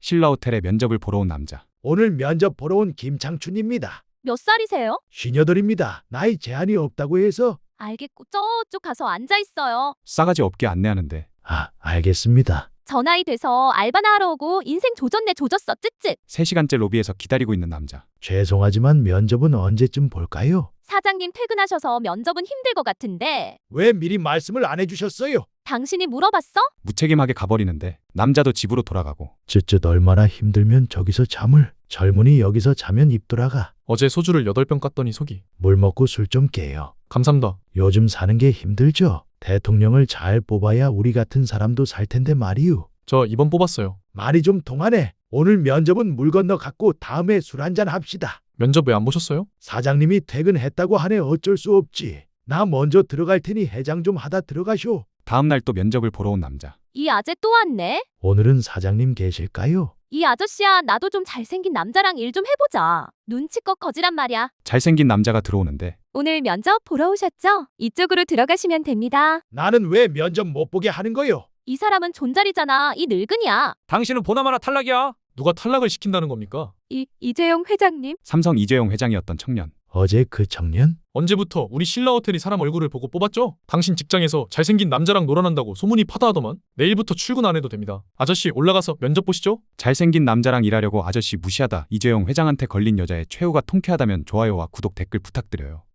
신라호텔에 면접을 보러 온 남자. 오늘 면접 보러 온 김창춘입니다. 몇 살이세요? 58입니다. 나이 제한이 없다고 해서. 알겠고 저쪽 가서 앉아 있어요. 싸가지 없게 안내하는데 알겠습니다. 저 나이 돼서 알바나 하러 오고 인생 조졌네 조졌어 쯧쯧. 3시간째 로비에서 기다리고 있는 남자. 죄송하지만 면접은 언제쯤 볼까요? 사장님 퇴근하셔서 면접은 힘들 것 같은데 왜 미리 말씀을 안 해주셨어요? 당신이 물어봤어? 무책임하게 가버리는데 남자도 집으로 돌아가고. 쯧쯧 얼마나 힘들면 저기서 잠을. 젊은이 여기서 자면 입 돌아가. 어제 소주를 8병 깠더니 속이. 물 먹고 술 좀 깨요. 감사합니다. 요즘 사는 게 힘들죠. 대통령을 잘 뽑아야 우리 같은 사람도 살 텐데 말이유. 저 이번 뽑았어요. 말이 좀 통하네. 오늘 면접은 물 건너 갔고 다음에 술 한잔 합시다. 면접 왜 안 보셨어요? 사장님이 퇴근했다고 하네. 어쩔 수 없지. 나 먼저 들어갈 테니 해장 좀 하다 들어가쇼. 다음날 또 면접을 보러 온 남자. 이 아재 또 왔네. 오늘은 사장님 계실까요? 이 아저씨야 나도 좀 잘생긴 남자랑 일 좀 해보자. 눈치껏 거지란 말이야. 잘생긴 남자가 들어오는데 오늘 면접 보러 오셨죠? 이쪽으로 들어가시면 됩니다. 나는 왜 면접 못 보게 하는 거요? 이 사람은 존잘이잖아. 이 늙은이야. 당신은 보나마나 탈락이야. 누가 탈락을 시킨다는 겁니까? 이재용 회장님. 삼성 이재용 회장이었던 청년. 어제 그 청년? 언제부터 우리 신라호텔이 사람 얼굴을 보고 뽑았죠? 당신 직장에서 잘생긴 남자랑 놀아난다고 소문이 파다하더만. 내일부터 출근 안 해도 됩니다. 아저씨 올라가서 면접 보시죠. 잘생긴 남자랑 일하려고 아저씨 무시하다 이재용 회장한테 걸린 여자의 최후가 통쾌하다면 좋아요와 구독 댓글 부탁드려요.